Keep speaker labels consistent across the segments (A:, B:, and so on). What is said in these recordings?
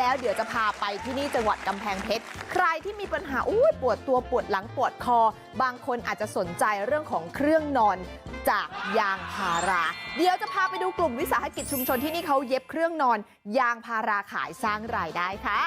A: แล้วเดี๋ยวจะพาไปที่นี่จังหวัดกำแพงเพชรใครที่มีปัญหาปวดตัวปวดหลังปวดคอบางคนอาจจะสนใจเรื่องของเครื่องนอนจากยางพาราเดี๋ยวจะพาไปดูกลุ่มวิสาหกิจชุมชนที่นี่เขาเย็บเครื่องนอนยางพาราขายสร้างรายได้ค่ะ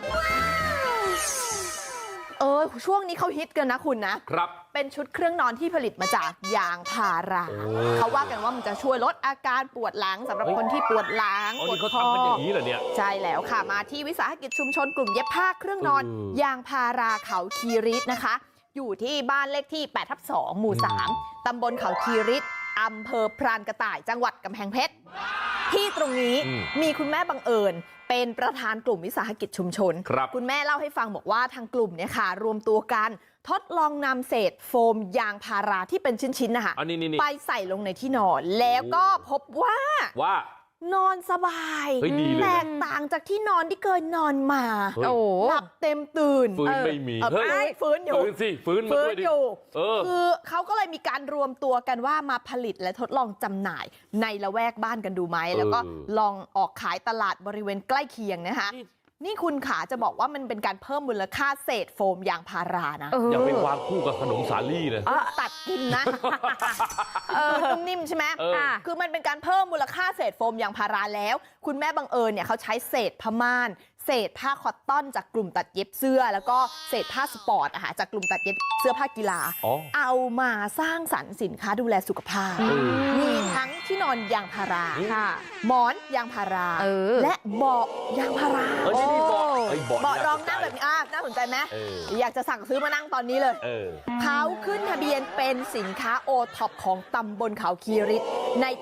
A: ช่วงนี้เขาฮิตกันนะคุณนะครับเป็นชุดเครื่องนอนที่ผลิตมาจากยางพาราเขาว่ากันว่ามันจะช่วยลดอาการปวดหลังสำหรับคนที่ปวดหลังปวดคออย่างนี้เหรอเนี่ยใช่แล้วค่ะมาที่วิสาหกิจชุมชนกลุ่มเย็บผ้าเครื่องนอนยางพาราเขาคีริตนะคะอยู่ที่บ้านเลขที่8/2 หมู่ 3ตำบลเขาคีริตอำเภอพรานกระต่ายจังหวัดกำแพงเพชรที่ตรงนี้มีคุณแม่บังเอิญเป็นประธานกลุ่มวิสาหกิจชุมชนคุณแม่เล่าให้ฟังบอกว่าทางกลุ่มเนี่ยค่ะรวมตัวกันทดลองนำเศษโฟมยางพาราที่เป็นชิ้นๆนะคะไปใส่ลงในที่นอนแล้วก็พบว่านอนสบายแตกต่างจากที่นอนที่เคยนอนมาหลับเต็มตื่น
B: ฟื้นไม่มี
A: ฟื้นอยู่
B: ฟื้นมาด้วยดิ
A: คือเขาก็เลยมีการรวมตัวกันว่ามาผลิตและทดลองจำหน่ายในละแวกบ้านกันดูไหมแล้วก็ลองออกขายตลาดบริเวณใกล้เคียงนะคะนี่คุณขาจะบอกว่ามันเป็นการเพิ่มมูลค่าเศษโฟมยางพารานะ
B: อย่าไปวางคู่กับขนมสาลี่นะ
A: ตัดกินนะนิ่มใช่ไหมคือมันเป็นการเพิ่มมูลค่าเศษโฟมยางพาราแล้วคุณแม่บังเอิญเนี่ยเขาใช้เศษผ้าม่านเศษผ้าคอตตอนจากกลุ่มตัดเย็บเสื้อแล้วก็เศษผ้าสปอร์ตจากกลุ่มตัดเย็บเสื้อผ้ากีฬาเอามาสร้างสรรค์สินค้าดูแลสุขภาพมีทั้งที่นอนยางพาราหมอนยางพาราและเบาะยางพาราเบาะรองนั่งแบบนี้น่าสนใจไหมอยากจะสั่งซื้อมานั่งตอนนี้เลยเขาขึ้นทะเบียนเป็นสินค้าโอท็อปของตำบลเขาคีริตในปี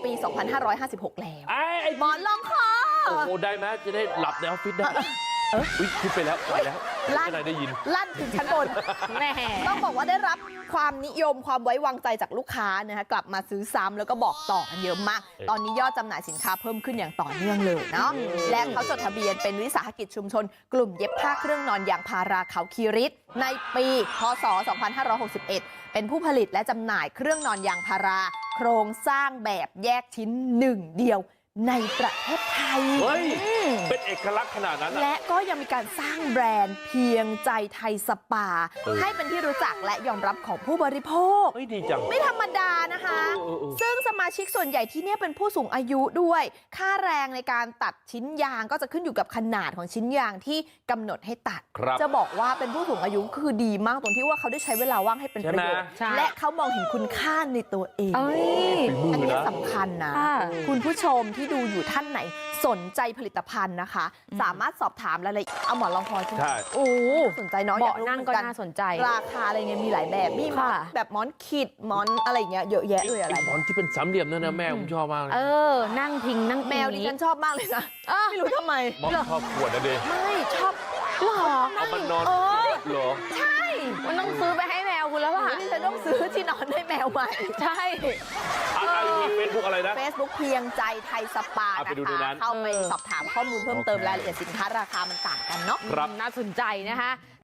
A: 2556 แล้วหมอนรองคอ
B: โอ้โหได้ไหมจะได้หลับในออฟฟิศได้คิดไปแล้วลั่นได้ยิน
A: ลั่นถึงชั้นบนแม่ต้องบอกว่าได้รับความนิยมความไว้วางใจจากลูกค้านะคะกลับมาซื้อซ้ำแล้วก็บอกต่อกันเยอะมากตอนนี้ยอดจำหน่ายสินค้าเพิ่มขึ้นอย่างต่อเนื่องเลยเนาะและเขาจดทะเบียนเป็นวิสาหกิจชุมชนกลุ่มเย็บผ้าเครื่องนอนยางพาราเขาคีริตในปีพศ 2561เป็นผู้ผลิตและจำหน่ายเครื่องนอนยางพาราโครงสร้างแบบแยกชิ้นหนึ่งเดียวในประเทศไทย
B: เป็นเอกลักษณ์ขนาดนั้น
A: และก็ยังมีการสร้างแบรนด์เพียงใจไทยสปาให้เป็นที่รู้จักและยอมรับของผู้บริโภค
B: ดีจัง
A: ไม่ธรรมดานะคะซึ่งสมาชิกส่วนใหญ่ที่นี่เป็นผู้สูงอายุด้วยค่าแรงในการตัดชิ้นยางก็จะขึ้นอยู่กับขนาดของชิ้นยางที่กำหนดให้ตัดจะบอกว่าเป็นผู้สูงอายุคือดีมากตรงที่ว่าเขาได้ใช้เวลาว่างให้เป็นประโยชน์และเขามองเห็นคุณค่าในตัวเองอันนี้สำคัญนะคุณผู้ชมที่ดูอยู่ท่านไหนสนใจผลิตภัณฑ์นะคะสามารถสอบถามรายละเอียดเอาหมอนรองคอใช่ไหมโอ้สนใจเนาะอยาก
C: นั่งก็น่าสนใจ
A: ราคาอะไรเงี้ยมีหลายแบบมีแบบหมอนขีดหมอนอะไรเงี้ยเยอะแยะเลยอะไร
B: หมอนที่เป็นสามเหลี่ยมนั่นนะแม่ผมชอบมาก
C: นั่งพิงนั่ง
A: แมวดิฉันชอบมากเลยนะไม่รู้ทำไม
B: ชอบขวดนะเด็ก
A: ไม่ชอบหรอ
B: เอามันนอนหรอ
A: ใช่
C: มันต้องซื้อไปให้แมวคุณแล้วล่ะ
A: ดิฉันต้องซื้อที่นอนให้แมวใหม่
C: ใช่
B: เฟซบุ๊กอะไรนะ
A: Facebook เพียงใจไทยสปานะคะเข้าไปสอบถามข้อมูลเพิ่มเติมรายละเอียดสินค้าราคามันต่างกันเนาะ
C: น่าสนใจนะคะ